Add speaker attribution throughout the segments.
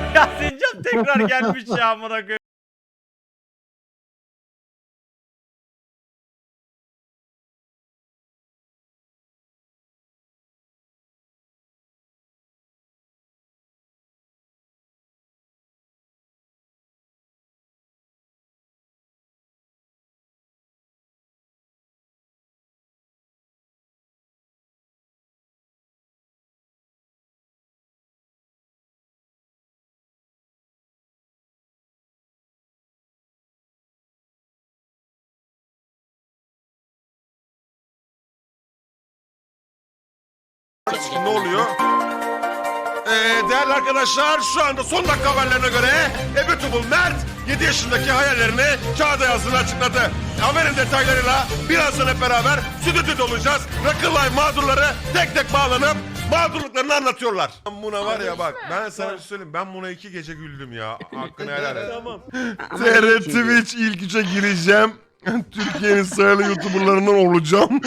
Speaker 1: Ya Sincan tekrar gelmiş ya amına koyayım.
Speaker 2: Ne oluyor? Değerli arkadaşlar şu anda son dakika haberlerine göre Ebetubul Mert 7 yaşındaki hayallerini kağıda yazdığını açıkladı. Haberin detaylarıyla birazdan hep beraber stüdyoda olacağız. Rakılay mağdurları tek tek bağlanıp mağdurluklarını anlatıyorlar. Buna var ya bak ben sana bir şey söyleyeyim, ben buna 2 gece güldüm ya. Hakkını helal et. Tamam. TR Twitch ilk 3'e gireceğim. Türkiye'nin sayılı YouTuber'larından olacağım.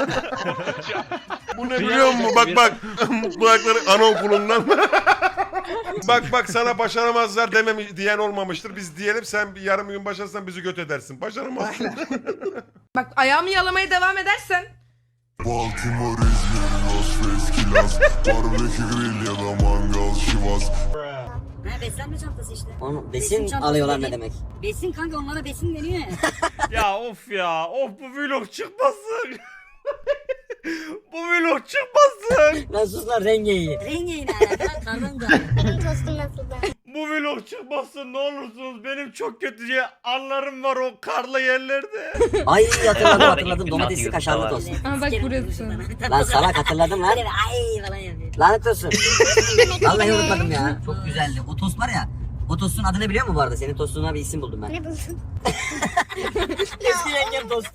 Speaker 2: Bu ne biliyor musun? Bak bak. Kulakları anaokulundan. bak sana başaramazlar diyen olmamıştır. Biz diyelim, sen bir yarım gün başarsan bizi göt edersin. Başaramazsın.
Speaker 3: Bak ayağımı yalamaya devam edersen.
Speaker 4: Baltimore, İzmir, Las Vegas, Kilas, barbekü grill ya da mangal, şivas.
Speaker 5: Ha, beslenme çantası işte.
Speaker 6: Onu besin alıyorlar ne demek?
Speaker 5: Besin kanka, onlara besin deniyor ya.
Speaker 1: Ya of ya. Of bu vlog çıkmasın. Bu vlog çıkmasın.
Speaker 6: Lan sus lan rengeyi.
Speaker 5: Rengeyle alakalı karnım da.
Speaker 1: Bu vlog çıkmasın ne olursunuz. Benim çok kötü anlarım var o karlı yerlerde.
Speaker 6: Ay hatırladım domatesli kaşarlı tost.
Speaker 3: Aa bak burası.
Speaker 6: Lan salak hatırladım lan.
Speaker 5: Böyle ay falan yapıyor.
Speaker 6: Lanet olsun. Vallahi unutmadım ya. Çok güzeldi. O tost var ya. O tostun adını biliyor musun bu arada? Senin tostuna bir isim buldum ben.
Speaker 5: Ne buldun?
Speaker 6: Eski yengem tost.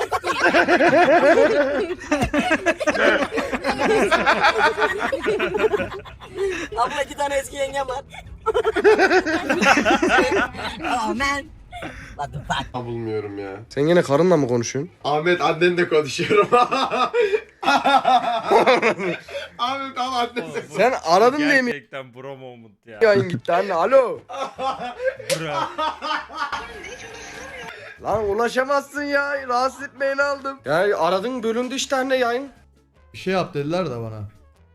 Speaker 6: Abla 2 tane eski yengem var. Oh man. What the fuck?
Speaker 7: Bulmuyorum ya.
Speaker 8: Sen yine karınla mı konuşuyorsun?
Speaker 7: Ahmet annenle konuşuyorum. Ahmet ama annesi.
Speaker 8: Sen aradın diye mi
Speaker 1: Gerçekten bro moment ya.
Speaker 8: yayın gitti anne? Alo.
Speaker 1: Bro.
Speaker 8: Lan ulaşamazsın ya. Rahatsız etmeyeni aldım. Ya aradın bölündü işte anne yayın.
Speaker 9: Bir şey yap dediler de bana.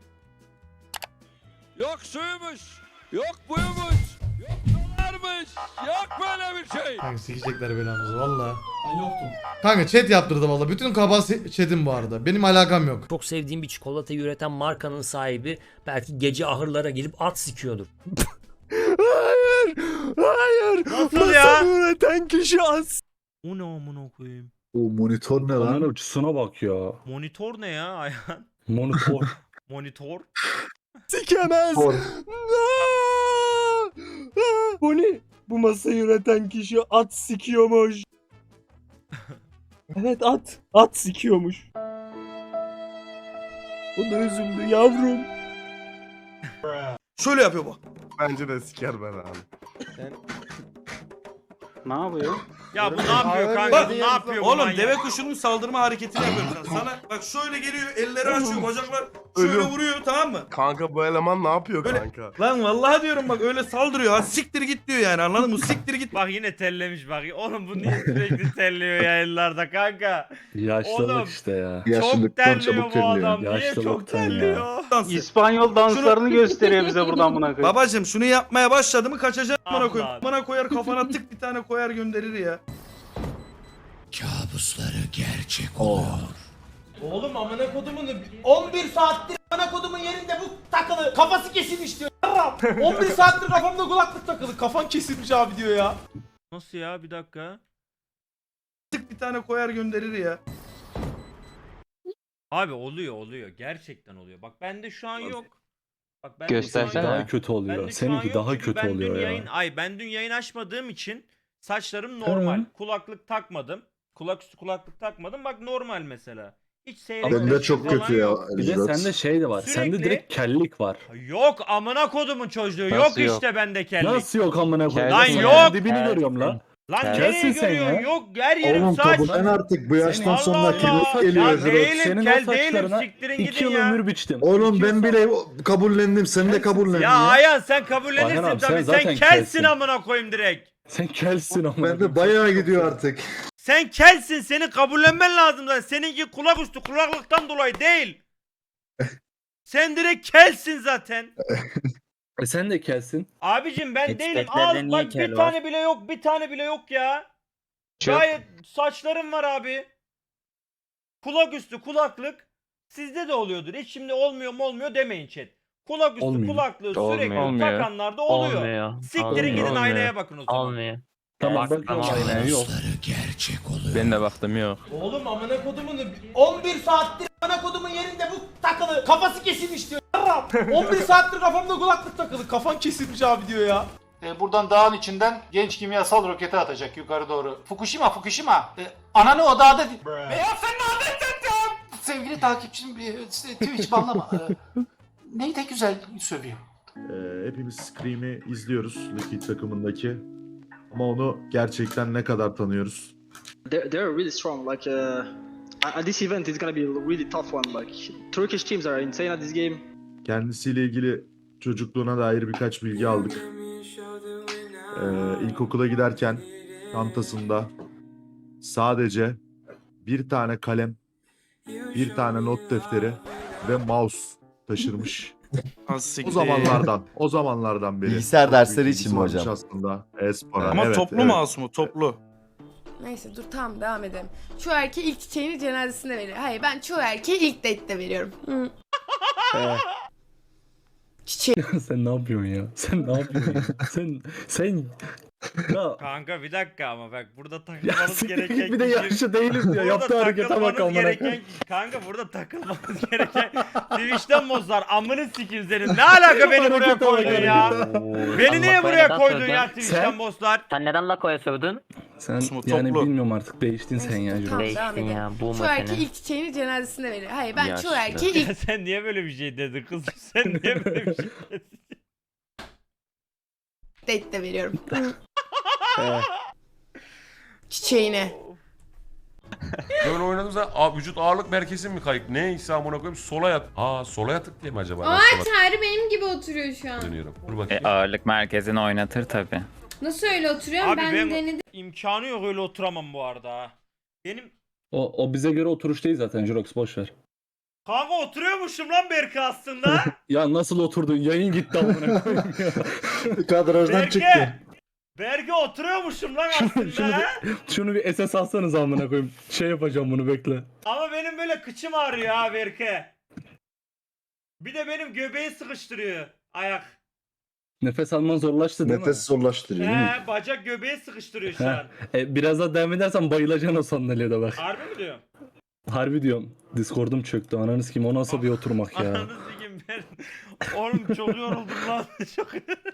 Speaker 10: Yok suymuş, yok buymuş, yok dolarmış, yok böyle bir şey.
Speaker 9: Kanka sikecekler belamızı valla. Ben yoktum. Kanka chat yaptırdı valla. Bütün kaba chatim bu arada. Benim alakam yok.
Speaker 11: Çok sevdiğim bir çikolatayı üreten markanın sahibi belki gece ahırlara girip at sikiyordur.
Speaker 8: Hayır. Hayır.
Speaker 1: Nasıl ya?
Speaker 8: Üreten kişi az.
Speaker 1: O ne amına koyayım?
Speaker 4: O monitör ne lan?
Speaker 10: uçusuna bak ya.
Speaker 1: Monitör ne ya Ayhan?
Speaker 10: Monitör.
Speaker 1: Monitör?
Speaker 8: Sikemez. Bu ne? Bu masayı üreten kişi at sikiyormuş. Evet at. At sikiyormuş. O da üzüldü yavrum.
Speaker 2: Şöyle yapıyor bak.
Speaker 7: Bence de siker ben abi.
Speaker 10: Ne yapıyor?
Speaker 1: Ya bu ne yapıyor kanka?
Speaker 2: Bak,
Speaker 1: Bu ne yapıyor bu
Speaker 2: Oğlum
Speaker 1: manyak?
Speaker 2: deve kuşunun saldırma hareketini yapıyorum sana. Sana bak şöyle geliyor, elleri açıyor, bacaklar şöyle
Speaker 7: Ölüyorum.
Speaker 2: vuruyor, tamam mı?
Speaker 7: Kanka bu eleman ne yapıyor
Speaker 2: Böyle-
Speaker 7: kanka?
Speaker 2: Lan vallahi diyorum bak öyle saldırıyor. Ha siktir git diyor yani, anladın mı? Siktir git.
Speaker 1: Bak yine tellemiş bak. Oğlum bu niye sürekli telliyor yayınlarda kanka? Oğlum,
Speaker 10: işte ya.
Speaker 1: çok terliyor bu adam. Niye çok
Speaker 10: Yaşlılıktan ya.
Speaker 1: terliyor?
Speaker 10: İspanyol danslarını gösteriyor bize buradan buna koyayım.
Speaker 2: Babacım şunu yapmaya başladı mı kaçacak bana
Speaker 1: Allah.
Speaker 2: koyayım. Bana koyar kafana tık bir tane koyar gönderir ya.
Speaker 12: Oğlum amına kodumun 11 saattir amına kodumun yerinde bu takılı kafası kesilmiş diyor. Yarram. 11 saattir kafamda kulaklık takılı. Kafan kesilmiş abi diyor ya.
Speaker 1: Nasıl ya? Bir dakika.
Speaker 2: Tık bir tane koyar gönderir ya.
Speaker 1: Abi oluyor. Gerçekten oluyor. Bak bende şu an yok. Bak bende
Speaker 10: Göstersene.
Speaker 1: şu an
Speaker 10: Daha
Speaker 1: yok.
Speaker 10: kötü oluyor.
Speaker 1: Bende şu an
Speaker 10: Seninki
Speaker 1: yok
Speaker 10: daha
Speaker 1: çünkü
Speaker 10: kötü
Speaker 1: ben
Speaker 10: oluyor
Speaker 1: dün
Speaker 10: ya.
Speaker 1: ben dün yayın açmadığım için saçlarım normal.
Speaker 10: Hı.
Speaker 1: Kulaklık takmadım. Kulak üstü kulaklık takmadım. Bak normal mesela. Hiç seyrek
Speaker 4: Bende çok
Speaker 1: falan
Speaker 4: kötü ya.
Speaker 1: yok.
Speaker 10: Bir de sende şey de var. Sende
Speaker 1: Sürekli-
Speaker 10: direkt kellik var.
Speaker 1: Yok amına kodumun çocuğu.
Speaker 10: Nasıl
Speaker 1: yok
Speaker 10: yok?
Speaker 1: işte bende kellik.
Speaker 10: Nasıl yok amına koyayım?
Speaker 1: Lan
Speaker 10: Ben
Speaker 1: yok.
Speaker 10: Dibini görüyorum lan.
Speaker 1: Lan nereye görüyorsun? Yok her yerim saç.
Speaker 4: artık bu
Speaker 1: Allah Allah. Ya değilim kel değilim siktirin gidin ya.
Speaker 8: biçtim.
Speaker 4: Oğlum ben bile kabullendim. Sen de kabullen
Speaker 1: Ya Ayhan sen kabullenirsin
Speaker 8: Ayhan abi, sen
Speaker 1: tabii. Sen
Speaker 8: zaten
Speaker 1: kelsin
Speaker 8: kelsin.
Speaker 1: amına koyayım direkt.
Speaker 8: Sen kelsin ama.
Speaker 4: Ben de bayağı gidiyor artık.
Speaker 1: Sen kelsin, seni kabullenmen lazım zaten. Seninki kulak üstü kulaklıktan dolayı değil. Sen direkt kelsin zaten.
Speaker 8: Sen de kelsin.
Speaker 1: Abicim ben değilim.
Speaker 11: Expect'lerde
Speaker 1: Al
Speaker 11: niye
Speaker 1: bak
Speaker 11: kel
Speaker 1: bir
Speaker 11: var?
Speaker 1: tane bile yok, bir tane bile yok ya. Gayet saçlarım var abi. Kulak üstü kulaklık sizde de oluyordur. Hiç şimdi olmuyor mu olmuyor demeyin chat. Kulak üstü
Speaker 8: Olmuyor.
Speaker 1: kulaklığı
Speaker 11: Olmuyor.
Speaker 1: sürekli
Speaker 11: Olmuyor.
Speaker 1: takanlarda oluyor. Siktirin gidin aynaya bakın o zaman.
Speaker 11: Olmuyor.
Speaker 8: Tamam
Speaker 11: Bak,
Speaker 8: bakıyorum
Speaker 11: tamam.
Speaker 8: aynaya yok.
Speaker 10: Ben de baktım yok.
Speaker 12: Oğlum amına kodumun 11 saattir amına kodumun yerinde bu takılı. Kafası kesilmiş diyor. Yarram. 11 saattir kafamda kulaklık takılı. Kafan kesilmiş abi diyor ya.
Speaker 13: Buradan dağın içinden genç kimyasal roketi atacak yukarı doğru. Fukushima. Ananı o dağda... Ya sen ne anlatacaksın? Sevgili takipçim Twitch banlama. Neyi de güzel sövüyor.
Speaker 4: Hepimiz Scream'i izliyoruz. Liquid takımındaki. Ama onu gerçekten ne kadar tanıyoruz?
Speaker 13: They're really strong. Like this event is gonna be a really tough one. Like Turkish teams are insane at this game.
Speaker 4: Kendisiyle ilgili çocukluğuna dair birkaç bilgi aldık. İlkokula giderken çantasında sadece bir tane kalem, bir tane not defteri ve mouse taşırmış. O zamanlardan beri.
Speaker 7: Bilgisayar dersleri için mi
Speaker 4: varmış
Speaker 7: hocam?
Speaker 4: Aslında e-spora.
Speaker 10: Ama
Speaker 4: Evet,
Speaker 10: toplu
Speaker 4: evet.
Speaker 10: mouse mu? Toplu.
Speaker 3: Neyse dur tamam devam edelim. Çoğu erkeği ilk çiçeğini cenazesinde veriyor. Hayır ben çoğu erkeği ilk date'te veriyorum. Hı. Çiçeği.
Speaker 8: Sen ne yapıyorsun ya? Sen ne yapıyorsun ya? Sen ya
Speaker 1: Kanka bir dakika ama bak burada
Speaker 8: ya
Speaker 1: takılmanız
Speaker 8: siktir
Speaker 1: gereken
Speaker 8: git bir de yaşlı değilim diyor.
Speaker 1: Burada
Speaker 8: Yaptığı harekete bak
Speaker 1: takılmanız
Speaker 8: amına
Speaker 1: gereken
Speaker 8: koyayım.
Speaker 1: kanka burada takılmanız gereken Twitch'ten bozlar amını sikeyim senin. Ne alaka beni buraya
Speaker 8: Harekete bak,
Speaker 1: koydun ya?
Speaker 8: harekete.
Speaker 1: Beni niye buraya
Speaker 11: neden
Speaker 1: koydun
Speaker 11: sövdün?
Speaker 1: ya Twitch'ten
Speaker 8: Sen-
Speaker 1: bozlar?
Speaker 11: Sen neden Lako'ya sövdün?
Speaker 8: Sen
Speaker 10: Toplu.
Speaker 8: yani bilmiyorum artık değiştin sen ya.
Speaker 3: Neyse,
Speaker 8: Juro.
Speaker 3: tamam,
Speaker 11: Değiştin
Speaker 3: devam edelim.
Speaker 11: ya, bu
Speaker 3: Çoğu erkeği
Speaker 11: seni.
Speaker 3: ilk çiçeğini cenazesinde veriyor. Hayır ben çoğu
Speaker 10: Yaşlı.
Speaker 3: erkeği ilk
Speaker 1: Sen niye böyle bir şey dedin kız? Sen niye böyle bir şey dedin?
Speaker 3: date'te veriyorum. Hı. Çiçeğini.
Speaker 2: Böyle oynadığım zaman vücut ağırlık merkezim mi kayıp? Neyse amına koyayım sola yat. Sola yatık diye mi acaba?
Speaker 3: Aa Çağrı benim gibi oturuyor şu an.
Speaker 2: Dönüyorum. Dur bakayım.
Speaker 10: Ağırlık merkezini oynatır tabi.
Speaker 3: Nasıl öyle oturuyorum?
Speaker 1: Abi
Speaker 3: ben
Speaker 1: ben
Speaker 3: denedim.
Speaker 1: imkanı yok öyle oturamam bu arada. ha. Benim
Speaker 8: O bize göre oturuş değil zaten Jurox boş ver.
Speaker 1: kanka oturuyormuşum lan Berke aslında.
Speaker 8: Ya nasıl oturdun? Yayın gitti amına koyayım ya.
Speaker 4: Kadrajdan
Speaker 1: Berke oturuyormuşum lan
Speaker 8: Şunu
Speaker 1: aslında. ha.
Speaker 8: Şunu bir SS alsanız amına koyayım. Şey yapacağım bunu bekle.
Speaker 1: Ama benim böyle kıçım ağrıyor ha Berke. Bir de benim göbeği sıkıştırıyor ayak.
Speaker 8: Nefes alman zorlaştı değil mi?
Speaker 4: zorlaştırıyor
Speaker 1: Bacak göbeği sıkıştırıyor şu
Speaker 8: He.
Speaker 1: an.
Speaker 8: Biraz daha devam edersen bayılacaksın o sandalyede bak.
Speaker 1: Harbi mi diyorum?
Speaker 8: Harbi diyorum. Discord'um çöktü. Ananı sikeyim o nasıl bir oturmak ya.
Speaker 1: Ananı sikeyim ben. Oğlum çok yoruldum lan. Çok...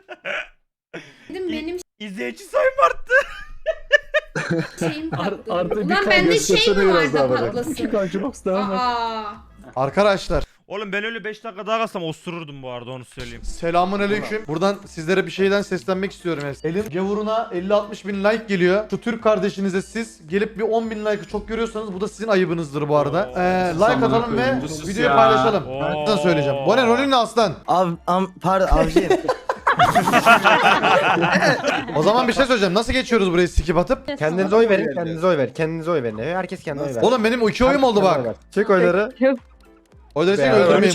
Speaker 3: Benim
Speaker 1: İzleyici sayım arttı.
Speaker 3: şeyim patladı.
Speaker 8: Artı bir
Speaker 3: Ulan
Speaker 8: kan
Speaker 3: bende
Speaker 8: göstersene
Speaker 3: şey mi var
Speaker 4: biraz
Speaker 3: da
Speaker 4: daha bana.
Speaker 3: patlasın?
Speaker 8: Jurox devam et.
Speaker 3: Aa.
Speaker 9: Arkadaşlar
Speaker 1: Oğlum ben öyle 5 dakika daha kalsam osururdum bu arada onu söyleyeyim.
Speaker 9: selamun aleyküm. Buradan sizlere bir şeyden seslenmek istiyorum. Elim gavuruna 50-60 bin like geliyor. Şu Türk kardeşinize siz gelip bir 10 bin like'ı çok görüyorsanız bu da sizin ayıbınızdır bu arada. Like atalım ve videoyu paylaşalım.
Speaker 1: Oo.
Speaker 9: Ben söyleyeceğim. Bu ne rolün ne aslan?
Speaker 6: Pardon avcıyım.
Speaker 9: O zaman bir şey söyleyeceğim. Nasıl geçiyoruz burayı skip atıp?
Speaker 7: Kendinize oy verin, kendinize oy ver. Kendinize oy verin. Herkes kendine oy ver.
Speaker 9: Oğlum benim 2 oyum oldu bak.
Speaker 7: Çek oyları.
Speaker 9: Oyları çek öldürmeyin.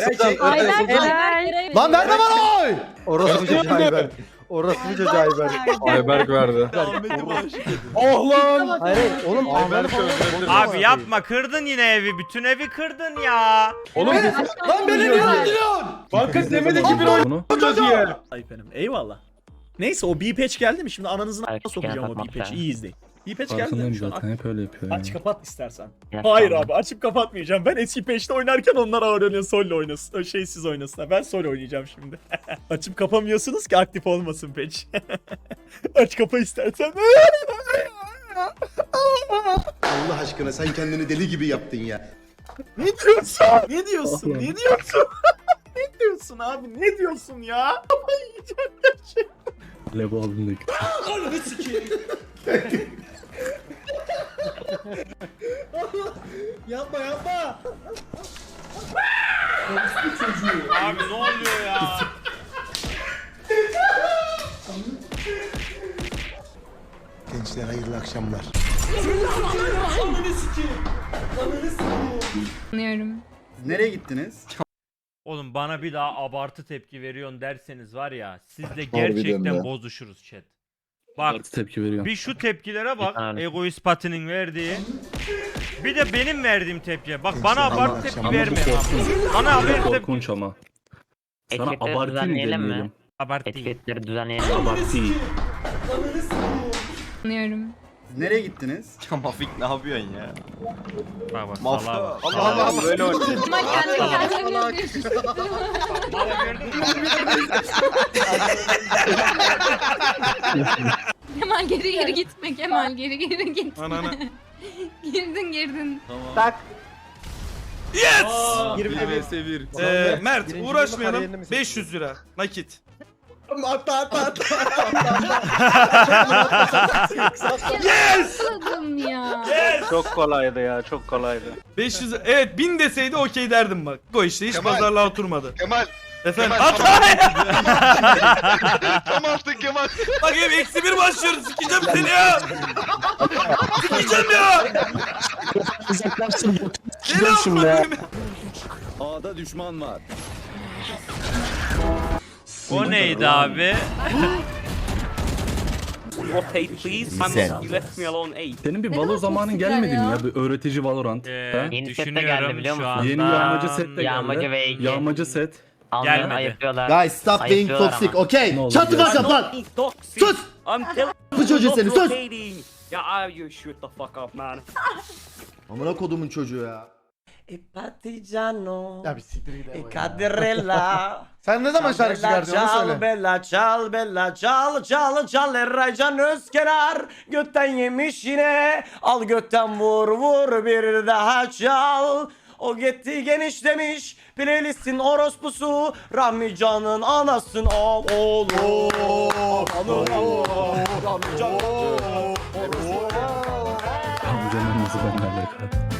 Speaker 9: Lan verme bana oy!
Speaker 7: Orası çocuğu Ayber. Orası çocuğu Ayber.
Speaker 10: Ayberk verdi.
Speaker 8: Oh lan!
Speaker 7: Hayır oğlum Ayber
Speaker 1: Abi yapma kırdın yine evi. Bütün evi kırdın ya.
Speaker 8: Oğlum
Speaker 9: Lan beni niye öldürüyorsun?
Speaker 12: Banka demedi ki bir
Speaker 8: bunu.
Speaker 12: Ayıp benim. Eyvallah. Neyse o B-patch geldi mi? Şimdi ananızın
Speaker 11: Ay,
Speaker 12: a**ına sokacağım o
Speaker 11: yapmak
Speaker 12: B-patch'i.
Speaker 11: lazım.
Speaker 12: İyi izleyin. B-patch geldi
Speaker 8: Farkındayım
Speaker 12: mi şu an?
Speaker 8: zaten hep öyle yapıyor
Speaker 12: Aç
Speaker 8: ya.
Speaker 12: kapat istersen.
Speaker 11: Ya,
Speaker 12: Hayır
Speaker 11: tamam.
Speaker 12: abi açıp kapatmayacağım. Ben eski patch'te oynarken onlar ağır oynuyor solo oynasın. Şeysiz oynasın. Ben solo oynayacağım şimdi. Açıp kapamıyorsunuz ki aktif olmasın patch. Aç kapa istersen.
Speaker 4: Allah aşkına sen kendini deli gibi yaptın ya.
Speaker 12: Ne diyorsun? Ne diyorsun?
Speaker 8: Allah'ım.
Speaker 12: Ne diyorsun? Ne diyorsun abi? Ne diyorsun ya? Kafayı yiyeceğim gerçekten.
Speaker 8: Levo abim de gitti.
Speaker 12: Ananı sikeyim. Yapma yapma.
Speaker 1: Abi ne oluyor ya?
Speaker 4: Gençler hayırlı akşamlar.
Speaker 12: Nereye gittiniz?
Speaker 1: Oğlum bana bir daha abartı tepki veriyorsun derseniz var ya sizle gerçekten bozuşuruz chat. Bak
Speaker 10: Tepki veriyorum.
Speaker 1: bir şu tepkilere bak egoist patinin verdiği. Bir de benim verdiğim tepkiye. Bak bana abartı tepki verme abi. Bana abartı tepki.
Speaker 10: Ama. Sana abartı mı demeyelim?
Speaker 1: Abartı değil.
Speaker 11: Etiketleri düzenleyelim.
Speaker 10: Abartı.
Speaker 12: Nereye gittiniz?
Speaker 8: Mafik ne yapıyorsun ya?
Speaker 1: Bak bak salağa bak.
Speaker 8: Allah Allah böyle oynuyor.
Speaker 3: Kemal geri gitme Kemal geri git.
Speaker 8: Ananı.
Speaker 3: Girdin.
Speaker 8: Yes!
Speaker 7: 21.
Speaker 8: Mert
Speaker 7: Birinci
Speaker 8: uğraşmayalım.
Speaker 7: bölümün kariyerini mi
Speaker 8: 500 lira nakit.
Speaker 12: Atla.
Speaker 8: Yes!
Speaker 3: Ya.
Speaker 7: Çok kolaydı ya, çok kolaydı.
Speaker 8: 500 evet 1000 deseydi okey derdim bak. O işte hiç
Speaker 2: Kemal.
Speaker 8: pazarlığa oturmadı.
Speaker 2: Kemal.
Speaker 8: Efendim
Speaker 2: Kemal,
Speaker 8: at.
Speaker 2: Tam attın Kemal.
Speaker 8: Bak hep -1 başlıyoruz. Sikeceğim seni ya. Sikeceğim ya. Deli şimdi ya.
Speaker 10: A'da düşman var.
Speaker 1: O neydi abi?
Speaker 10: Senin bir Valo zamanın gelmedi mi ya? Bir öğretici Valorant.
Speaker 11: Yeni set de geldi biliyor musun?
Speaker 10: Yeni yağmacı set de geldi.
Speaker 11: Yağmacı ve Ege.
Speaker 10: Yağmacı set.
Speaker 11: Almayan
Speaker 1: Gelmedi.
Speaker 11: ayıplıyorlar.
Speaker 12: Guys stop being
Speaker 11: Ayıplıyorlar
Speaker 12: toxic,
Speaker 11: ama.
Speaker 12: okay?
Speaker 10: Ne olur
Speaker 12: Shut the
Speaker 10: ya.
Speaker 12: fuck up lan! Sus! Bu çocuğu seni sus! Amına kodumun çocuğu ya.
Speaker 7: Ya bir siktir gidelim.
Speaker 9: Sen ne zaman şarkı çıkardın onu söyle.
Speaker 12: Bella çal bella çal çal çal Eraycan Özkenar götten yemiş yine al götten vur vur bir daha çal o gitti genişlemiş playlistin orospusu Rahmi Can'ın anasın oğlu
Speaker 10: Amcanın nasıl benimle alakalı?